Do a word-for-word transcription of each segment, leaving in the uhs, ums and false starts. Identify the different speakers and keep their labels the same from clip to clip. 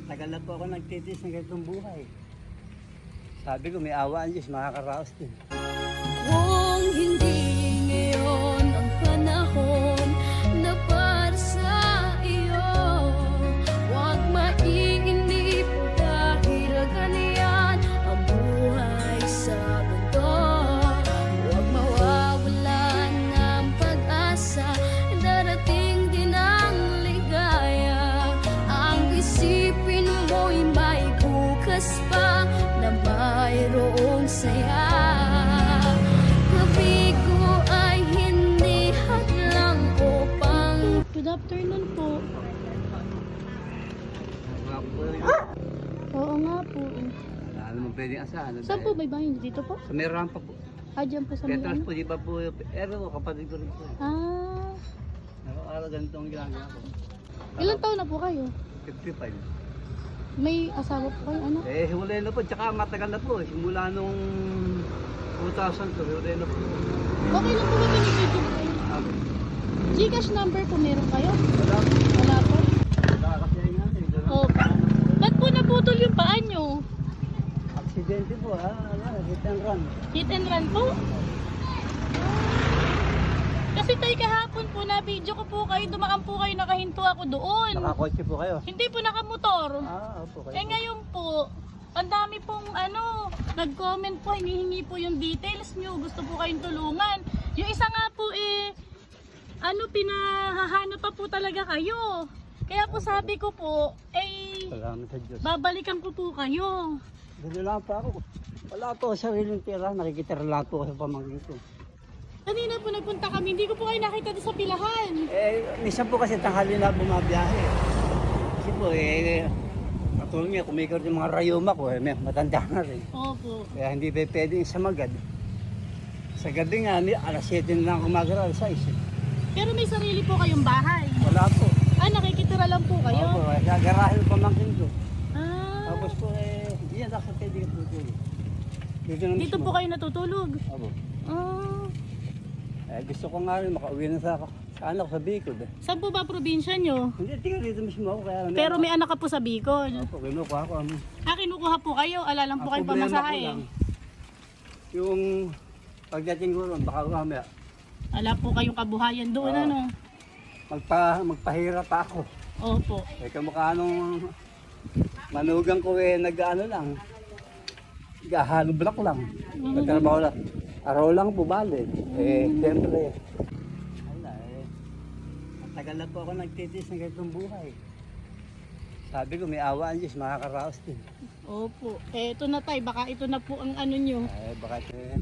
Speaker 1: Tagal na po ako nagtitis ng ganitong buhay. Sabi ko may awa ang Diyos, makakaraos din.
Speaker 2: Kung hindi ngayon ang panahon na para sa iyo, huwag maiinip dahil ganyan ang buhay sa mundo. Huwag mawawalan ng pag-asa, darating din ang ligaya. Ang isipin mo'y may bukas pa na mayroong saya. Gabi ko ay hindi hadlang upang... Good afternoon po.
Speaker 1: Mga po,
Speaker 2: Oo nga po.
Speaker 1: wala naman pwedeng asahan.
Speaker 2: Saan po may bahay? Dito po?
Speaker 1: Sa may rampa po.
Speaker 2: Ah, dyan po sa may
Speaker 1: Petras
Speaker 2: ano?
Speaker 1: po, di ba po, pero kapatid ko rin po.
Speaker 2: Ah,
Speaker 1: Araw-araw ganito ang ginagawa ko.
Speaker 2: ilang taon na po kayo?
Speaker 1: fifty-five.
Speaker 2: May asawa po kayo? Ano?
Speaker 1: Eh, hiwalay na po, tsaka matagal na po. Simula nung two thousand to, hiwalay na po.
Speaker 2: Okay lang po ba binibigyan ko kayo?
Speaker 1: Ah,
Speaker 2: Gcash number po meron kayo?
Speaker 1: wala po.
Speaker 2: Wala po?
Speaker 1: Wala kasi yung natin.
Speaker 2: Oo. Ba't po naputol yung paa nyo?
Speaker 1: Aksidente po, ha? Ano, hit and run.
Speaker 2: Hit and run po? Kasi tayo kahapon po na video ko po kayo, dumaan po kayo, nakahinto ako doon.
Speaker 1: Nakakotse po kayo.
Speaker 2: Hindi po nakamotor.
Speaker 1: Ah, opo kayo.
Speaker 2: Eh ngayon po, ang dami pong ano, nag-comment po, hinihingi po yung details nyo, gusto po kayong tulungan. Yung isa nga po eh, ano, pinahahanap pa po talaga kayo. Kaya po sabi ko po, eh,
Speaker 1: Salamat sa Diyos.
Speaker 2: babalikan ko po kayo.
Speaker 1: Gano'n lang po ako. Wala po sa sariling tira, nakikitira lang po ako sa pamangkin ko.
Speaker 2: Kanina po nagpunta kami, hindi ko po kayo nakita doon sa pilahan.
Speaker 1: Eh, minsan po kasi tanghali na bumabiyahe. Kasi po eh, katulad niya, kumikot yung mga rayuma ko, eh, may matanda na rin.
Speaker 2: Opo.
Speaker 1: Kaya hindi pa pwedeng sa magad. Sa gabi nga, may alas siyete na lang kumagara, alas sais.
Speaker 2: Pero may sarili po kayong bahay.
Speaker 1: Wala po.
Speaker 2: Ah, nakikitira lang po kayo?
Speaker 1: Opo, eh, sa garahe ng pamangkin ko.
Speaker 2: Ah,
Speaker 1: Tapos po eh, hindi yan ako pwede ka tutulog. Dito, na
Speaker 2: dito
Speaker 1: mismo.
Speaker 2: po kayo natutulog?
Speaker 1: Opo.
Speaker 2: Ah,
Speaker 1: Eh, gusto ko nga rin makauwi na sa, sa anak ko sa Bicol. Eh.
Speaker 2: saan po ba probinsya nyo?
Speaker 1: Hindi, tingnan dito mismo ako. Kaya,
Speaker 2: Pero may anak ka po sa Bicol.
Speaker 1: Opo, kinukuha ko. Ano.
Speaker 2: Ah, kinukuha po kayo, ala lang po kayo
Speaker 1: Ang problema ko
Speaker 2: pamasahe.
Speaker 1: lang, yung pagdating ko ron, baka mamaya,
Speaker 2: Ala po kayong kabuhayan doon,
Speaker 1: Ah.
Speaker 2: ano?
Speaker 1: magpa, magpahirap pa ako.
Speaker 2: Opo.
Speaker 1: Eh, kamukha nung manugang ko eh, nag-ano lang, gahalo block lang. Nagtrabaho lang. Araw lang po bali. Eh, siyempre, wala eh. Matagal na po ako nagtitis ng ganitong buhay. Sabi ko, may awa ang Diyos, makakaraos din.
Speaker 2: Opo. Eh, ito na tayo, baka ito na po ang ano nyo.
Speaker 1: Eh, baka eh,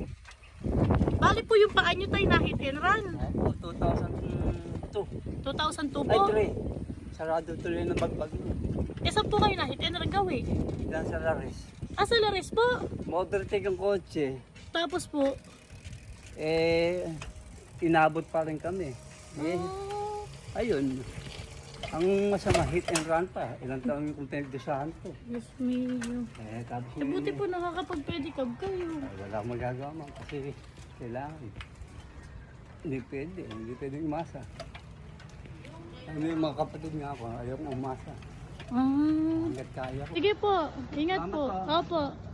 Speaker 2: Bali po yung paa nyo tayo na hit and run.
Speaker 1: ako, two thousand two.
Speaker 2: two thousand two
Speaker 1: Ay,
Speaker 2: po.
Speaker 1: three. Sarado tuloy ng bagbag.
Speaker 2: Eh, saan po kayo na hit and run gawi?
Speaker 1: Diyan sa Laris.
Speaker 2: Ah, sa Lares po.
Speaker 1: Motor take ang kotse.
Speaker 2: Tapos po,
Speaker 1: Eh, inabot pa rin kami. Eh,
Speaker 2: ah,
Speaker 1: ayun. Ang masama, hit and run pa. Ilang taon yung pinagdusahan ko.
Speaker 2: Diyos mio.
Speaker 1: Eh, tapos
Speaker 2: Eh, buti po nakakapag-pedicab kayo.
Speaker 1: Ay, wala akong magagawa man kasi kailangan. Hindi pwede, hindi pwede umasa. Ano yung mga kapatid nga ako, ayaw kong umasa.
Speaker 2: Ah,
Speaker 1: Hanggat kaya ko.
Speaker 2: sige po, ingat
Speaker 1: Salamat
Speaker 2: po.
Speaker 1: po.
Speaker 2: Opo.